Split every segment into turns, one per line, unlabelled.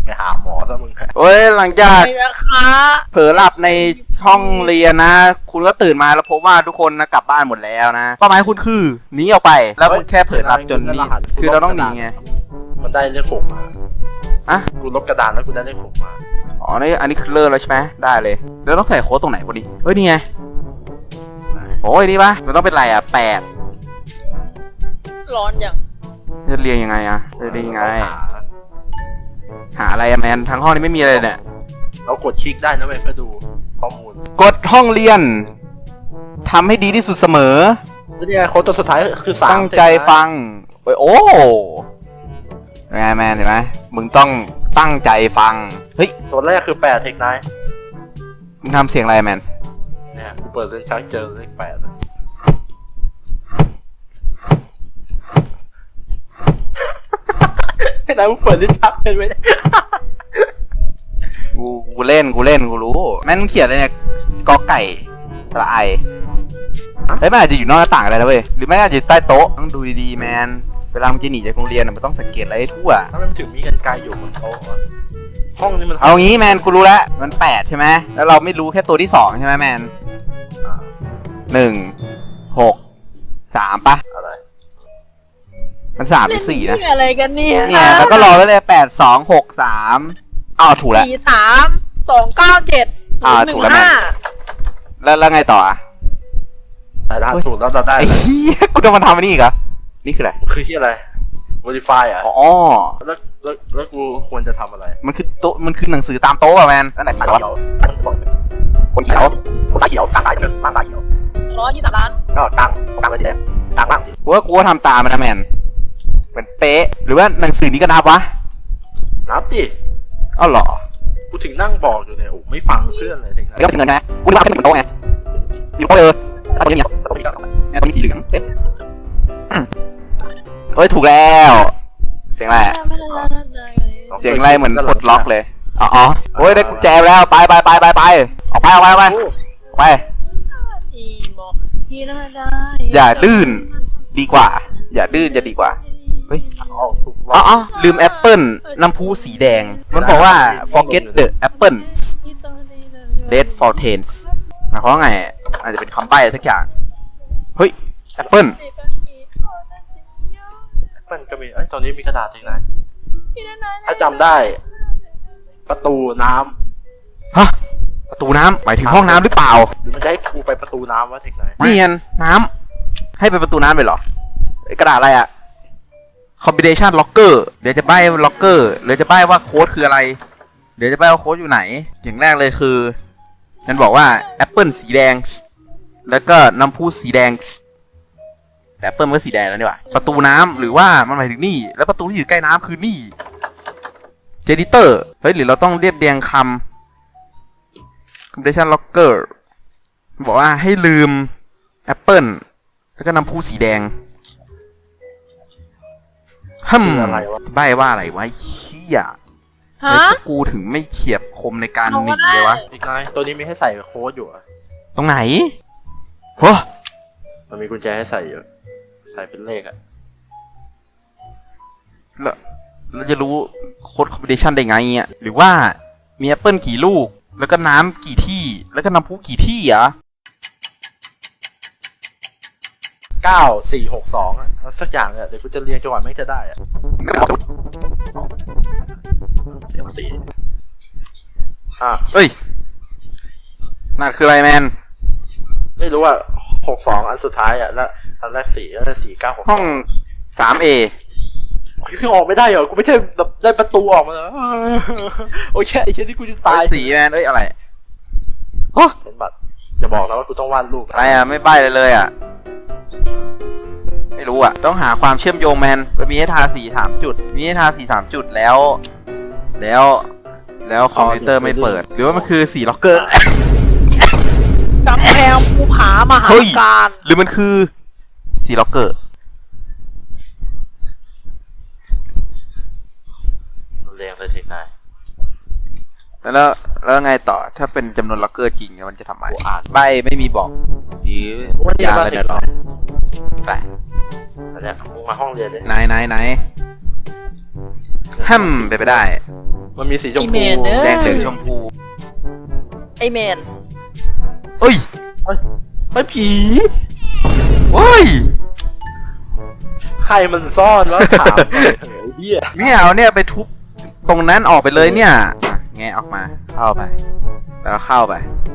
ไปหาหมอซะมึง
โอ้ยหลังจาก
ไม่นะคะ
เผลอหลับในห้องเรียนนะ คุณก็ตื่นมาแล้วพบว่าทุกคนนะกลับบ้านหมดแล้วนะเป้าหมายคุณคือหนีออกไป แล้วคุณแค่เผลอหลับจนนี่คือเราต้องหนีไง
มันได้เลข6มา
อะ
กูลบกระดานแล้วกูได้เลข6มา
อ๋อนี่อันนี้คือเลิกแล้วใช่ไหมได้เลยแล้วต้องใส่โค้ดตรงไหนพอดีเฮ้ยนี่ไงโอ้ยนี่ปะเราต้องเป็นไรอ่ะ8
ร้อนอย่าง
จะเรียงยังไงอ่ะจะเรียงยังไงหาอะไรอะแมนทั้งห้องนี้ไม่มีอะไรเนี่ย
เรากดคลิกได้นะเว้ยเพื่อดูข้อมูล
กดห้องเรียนทำให้ดีที่สุดเสมอ
แล้วเนี่ยโค้ดตัวสุดท้ายคือ3
ตั้งใจฟังโอ้ไงแมนเห็นไหมมึงต้องตั้งใจฟังเฮ้ย
ตัวแรกคือ8เทคไนท์
มึงทำเสียงอะไรแมน
เนี่ยกูเปิดเล่นชักเจอเลข8ให้นายมึงเปิดเล่นชักเป็นไหม
กูเล่นกูรู้แม่นมึงเขียนอะไรเนี่ยกอไก่สระไอเฮ้ยมันอาจจะอยู่นอกหน้าต่างอะไรนะเว้ยหรือไม่อาจจะอยู่ใต้โต๊ะต้องดูดีๆแมนเวลามึงจะหนีจากโรงเรียนมันต้องสังเกตอะไรให้ทั่ว
ถ้ามันถึงมีกันไกลอยู่บนโต๊ะวะห้องนี้มัน
เอางี้แมนกูรู้แล้วมัน8ใช่ไหมแล้วเราไม่รู้แค่ตัวที่2ใช่ไหมแมน1 6 3ปะ
อะไร
มัน3หรือ4นะ
เล่อะไรกันเนี่ย
เนี่ยแล้วก็รอไว้เลย8 2 6 3อ้าวถูกแล้ว
43297
ถูกแล้วแม่
015
แล้วไงต่ออ่ะ
แต่ถ้าถูกแล้วเราได้
ไอ้
เลย
เหี้ยกูจะมาทำอันนี้อีกเหรอนี่คืออะไร
คือที่อะไร modify อ่ะ
อ๋อ
แล้วกูควรจะทำอะไร
มันคือโต๊ะมันคือหนังสือตามโต๊ะอะแมนอันไหน
สาย
วะ
เขียวคนเขียวคนสายเขียวกลางสายเขียวล่างสายเขียว
123 ล้าน
ก็กลางเลยสีแดงกลางล่างสี
กูว่าทำตามมันนะแมนเหมือนเป๊ะหรือว่าหนังสือนี้ก็นับวะ
นับดิ
อ้าวเหรอ
กูถึงนั่งบอกอยู่เนี่ยโอ้ไม่ฟังเพื่อนเลยถึง
แล้วก็ถึงเงินใช่ไหมกูนึกว่าแค่เหมือนโต๊ะไงอยู่โต๊ะเลยถ้าตัวนี้เนี่ย
แต่ต้องมีการ
เนี่ยตัวนี้สีเหลืองเอ๊ะเฮ้ยถูกแล้ว เสียงอะไรอะเสียงอะไรเหมือนปลดล็อกเลยอ๋อโอ้ยได้กุญแจแล้วไปออกไป
อีโมฮีน่าได้
อย่าดื้นดีกว่า อย่าดื้นจะดีกว่าเฮ้ย
ถูกล็อก
อ๋อลืมแอปเปิลน้ำพุสีแดงมันบอกว่า forget the apple red fountains หมายความว่าไงอาจจะเป็นคำใบ้สักอย่างเฮ้ยแอปเปิล
มันก็มีตอนนี้มีกระดาษเองนะถ้าจำได้ ประตูน้ำ
ฮะประตูน้ำหมายถึงห้องน้ำหรือเปล่า
หรือมันจะให้กูไปประตูน้ำวะเทคไนท์
เนียนน้ำให้เป็นประตูน้ำไปเหรอไอ้กระดาษอะไรอะ combination locker เดี๋ยวจะใบ้ locker หรือจะใบ้ว่าโค้ดคืออะไรเดี๋ยวจะใบ้ว่าโค้ดอยู่ไหนอย่างแรกเลยคือมันบอกว่าแอปเปิลสีแดงแล้วก็น้ำพุสีแดงแต่แอปเปิลมันก็สีแดงแล้วนี่หว่าประตูน้ำหรือว่ามันหมายถึงนี่แล้วประตูที่อยู่ใกล้น้ำคือนี่เจดิเตอร์เฮ้ยหรือเราต้องเรียบเรียงคำ combination locker บอกว่าให้ลืมแอปเปิลแล้วก็น้ำพุสีแดง
อะไรวะ
ใบ้ว่าอะไรวะเหี้ย
ฮะ
ไม่กูถึงไม่เฉียบคมในการหนีเลยวะ
เทคไนท์ตัวนี้มีให้ใส่โค้ดอยู่อะ
ตรงไหนโอ้
มันมีกุญแจให้ใส่อยู่ใส่เป็นเลขอะ
แล้วเราจะรู้โค้ดคอมบิเนชันได้ไงอ่ะหรือว่ามีแอปเปิลกี่ลูก แล้วก็น้ำกี่ที่ แล้วก็น้ำพุกี่ที่อ่ะ
9462อะสักอย่างเนี่ยเดี๋ยวกูจะเรียงจังหวะไม่จะได้อะเสียงสี
เฮ้ยนั่นคืออะไรแมน
ไม่รู้ว่า62อันสุดท้ายอะแล้วอันแรก4แล้ว4 9 6
ห้อง 3A
คือออกไม่ได้เหรอกูไม่ใช่แบบได้ประตูออกมาเหรอโอ้ยไอ้เช่นที่กูจะตาย
สีแมนเอ้ยอะไรโอ้
เห็นบัตรจะบอกนะว่ากูต้องวาดรูป
อะไรอ่ะไม่ใบ้เลยอ่ะไม่รู้อ่ะต้องหาความเชื่อมโยงแมนมันมีให้ทาสี3จุดมีให้ทาสี3จุดแล้วคอมพิวเตอร์ไม่เปิด หรือว่ามันคือสีล็อกเกอร์
กำแพงภูผามหาการ
หรือมันคือสีล็อกเกอร์
เรียงเลยทีนาย
แล้วไงต่อถ้าเป็นจำนวนล็อกเกอร์จริงมันจะทำอะไร
กูอ่าน
ใบไม่มีบอกหรือ
วันนี้
ยา
มา
อะไร
สิ
เดี๋ยวรอไป
อันเนี้ยมึงมาห้องเรียนเลย
ไหนแฮมไปได้
มันมีสีชม
อี
พู
เมลเนอะ
แดงเหลืองชมพู
ไอแมน
เอ้ย
ไม่ผี
เฮ้ย
ใครมันซ่อนวะถามหน่อยเถอะไอ้เหี้ย
ไม่เอาเนี่ยไปทุบตรงนั้นออกไปเลยเนี่ยอ่ะแงะออกมาเข้าไป แล้วก็เข้าไป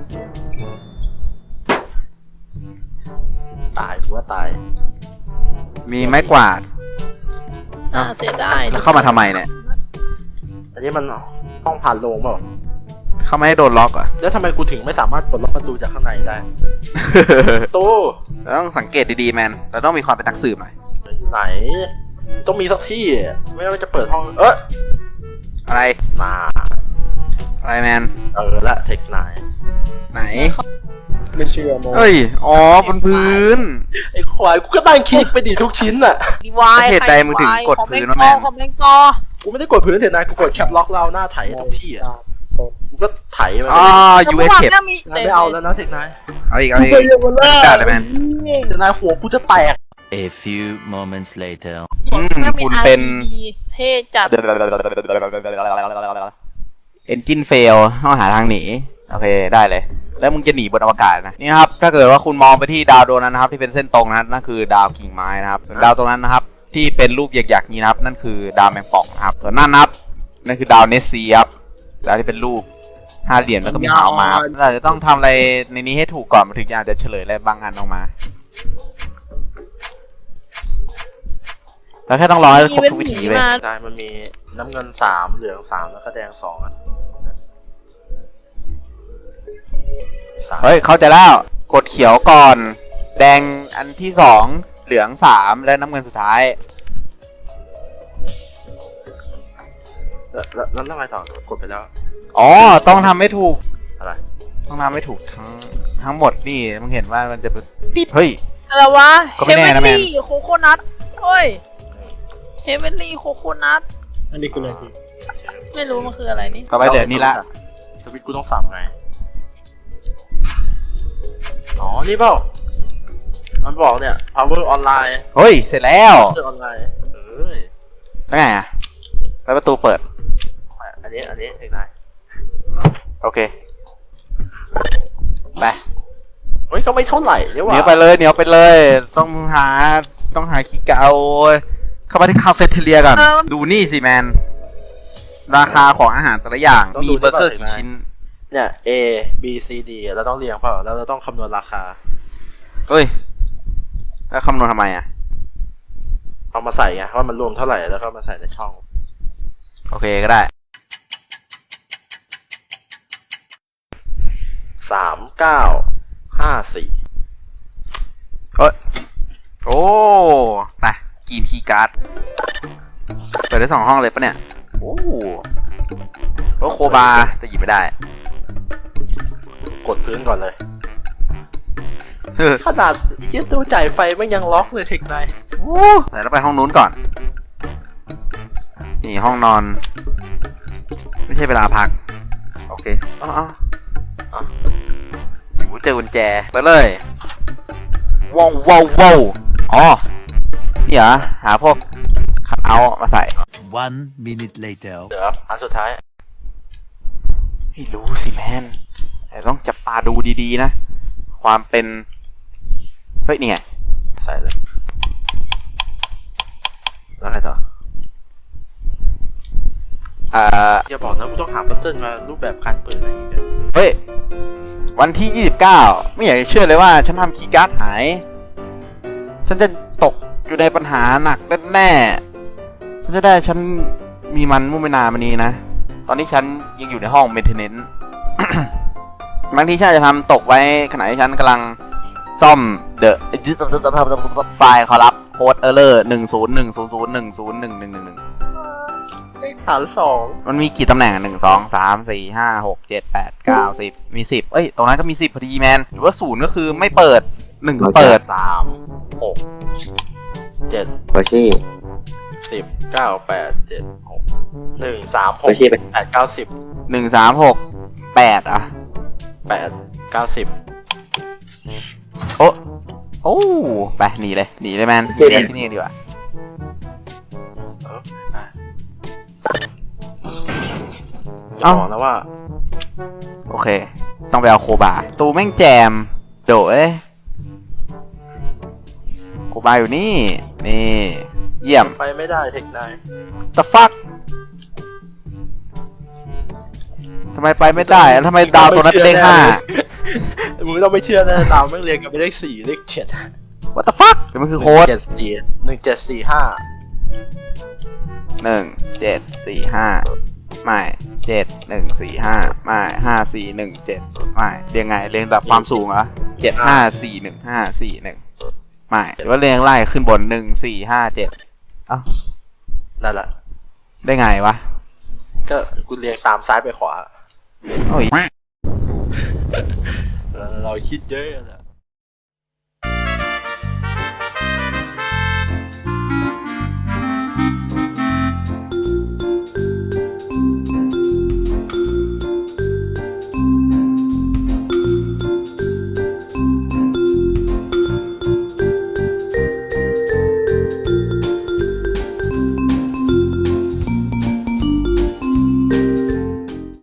ตายกูว่าตาย
มีไม้กวาด
เสียดาย
แล้วเข้ามาทำไมเนี่ย
อันนี้มันห้องผ่านโลงเปล่า
เข้ามาให้โดนล็อกเหรอ่ะ
แล้วทำไมกูถึงไม่สามารถปลดล็อกประตูจากข้างในได้ตู้
เราต้องสังเกตดีๆแมนเราต้องมีความเป็นนักสืบหน่อย
อยู่ไหน ต้องมีสักที่อะไม่งั้นมันจะเปิดห้อง
อะไร
น่า
อะไรแมน
ละเทคไนน์
ไหน
ไม่เชื่อโม
เฮ้ย อ๋อบนพื้น
ไอ้ควายกูก็ตั้งคลิกไปดิทุกชิ้นน่ะ
ดีวาย
เหตุใดมึงถึงกดพื้นวะแมน
คอมเมนต์กอ
กูไม่ได้กดพื้นเทนายกูกดแคปล็อกเราหน้าไถทุกที่อ่ะกูก็ไถมัน
อ๋อ
แต่
ยู
เมื่
เอ
อ
ส
วาน
เทป
เนี่ยมี
นายไม่เอาแล้วนะเทคไนน์
เอาอีกได้เลยแมน
เทคไนน์หัวกูจะแตก
A few moments later.
คุณเป็น
เท่จัด
Engine fail ต้องหาทางหนี โอเค ได้เลย แล้วมึงจะหนีบนอวกาศนะ นี่นะครับ ถ้าเกิดว่าคุณมองไปที่ดาวดวงนั้นนะครับ ที่เป็นเส้นตรงนะนั่นคือดาวกิ่งไม้นะครับส่วนดาวตรงนั้นนะครับ ที่เป็นรูปหยักๆนี้นะครับ นั่นคือดาวแมงป่องนะครับ ส่วนนั่นนะครับ นั่นคือดาวเนสซีครับดาวที่เป็นรูป5 เหรียญแล้วก็มีหางมาเราจะต้องทำอะไรในนี้ให้ถูกก่อนมันถึงจะเฉลยอะไรบางอันออกมา แล้วแค่ต้องรอให้ครบทุกวิธีเลย
ใช่มันมีน้ำเงิน3เหลือง3แล้วก็แดง2อ่ะ3
เฮ้ย เข้าใจแล้ว กดเขียวก่อน แดงอันที่2เหลือง3และน้ำเงินสุดท้าย
แล้วทำไมต่อกดไปแล้ว
อ๋อ ต้องทำให้ถูก
อะไร
ต้องทำให้ถูกทั้งหมดนี่มึงเห็นว่ามันจะเป็นติดเฮ้ย
อะไรวะ
ก็ไม่แน่นะแมน
ลี่โคโคนัทเฮ้ยเฮเวนลี่โคโคนัท
อันนี้คืออะไรพี่
ไม่รู้มันคืออะไรนี่
ต่อไปเดี๋ยวนี้ละ
สวิตช์กูต้องสับไง อ๋อ นี่เปล่า มันบอกเนี่ย power online
เฮ้ย เสร็จแล้ว
power online เอ้ย
แล้วไงอ่ะแล้วประตูเปิด
อันนี้เองนาย
โอเค ไป
เฮ้ย ก็ไม่เท่าไหร่เนี่ย
เห
ว่ะ
นียวไปเลย เหนียวไปเลย ต้องหาคีย์การ์ดเอาเข้ามาที่คาเฟ่เทเลียก่อน ดูนี่สิแมน ราคาของอาหารแต่ละอย่าง มีเบอร์เกอร์กี่ชิ้น
เนี่ย A B C D เราต้องเรียงเปล่า แล้วเราต้องคำนวณราคา
เฮ้ย แล้วคำนวณทำไมอ่ะ
เอามาใส่ไงว่ามันรวมเท่าไหร่ แล้วก็มาใส่ในช่อง
โอเคก็ได้
3954
เอ้ย โอ้ ไปกินคีย์การ์ด เปิดได้2 ห้องเลยปะเนี่ย โอ้โคบาแต่หยิบไม่ได้
กดพื้นก่อนเลย ขนาดยี่ตู้จ่ายไฟไม่ยังล็อกเลยเทคไนน์
โอ้แต่เราไปห้องนู้นก่อน นี่ห้องนอน ไม่ใช่เวลาพัก โอเคอ๋ออยู่เจอกุญแจไปเลยว้าวอ๋อ นี่เหรอ หาพวกคัทเอาท์มาใส่
1 minute later.
เดี๋ยวอันสุดท้าย
ไม่รู้สิแมน แต่ต้องจับตาดูดีๆนะ ความเป็น เฮ้ย นี่ไง
ใส่เลย แล้วไงต่อ อย่าบอกนะกูต้องหาพัซเซิลมารูปแบบการเปิดอะไรอีกเนี่ย
เฮ้ย วันที่ 29 ไม่อยากจะเชื่อเลยว่าฉันทำคีย์การ์ดหาย ฉันจะตกอยู่ในปัญหาหนักแน่ๆฉันมีมันมุ่งไม่นานมานี้นะ ตอนนี้ฉันยังอยู่ในห้อง maintenance บางทีฉันอาจจะทำตกไว้ขณะที่ฉันกำลังซ่อมไฟล์ขอรับโค้ดเออร์เลอร์10100101111
ฐาน2
มันมีกี่ตำแหน่ง1 2 3 4 5 6 7 8 9 10มี10เอ้ยตรงนั้นก็มี10พอดีแมนหรือว่า0ก็คือไม่เปิด1ก็เปิด
3 6 7
โอชี่
10 9 8 7 6 1 3
โอชี่ไป
6 8 9 10
1 3 6 8อ่ะ
8 9 10
โอ้ไปหนีเลยแมนหนีเลยที่นี่ดีกว่า
เออไปจะบอกแล้วว่า
โอเค ต้องไปเอาโคบาตูแม่งแจมโดเอ้ยโคบาอยู่นี่ นี่ เยี่ยม
ไปไม่ได้เทคนาย
the fuck ทำไมไปไม่ได้แล้วทำไมดาวตัวนั้นเป็นเลขห้า
มึงต้องไม่เชื่อแน่ดาวแม่งเรียงกันเป็นเลขสี่เลขเจ็ด
what the fuck เดี๋ยวมันคือโค้ด
1745
ไม่ไม่เรียงไงเรียงแบบความสูงเหรอ7541ไม่หรือว่าเรียงไล่ขึ้นบน1457เอ้า
นั่นแหละ
ได้ไงวะ
ก็กูเรียงตามซ้ายไปขวา
โอ้ย
เราคิดเยอะนะ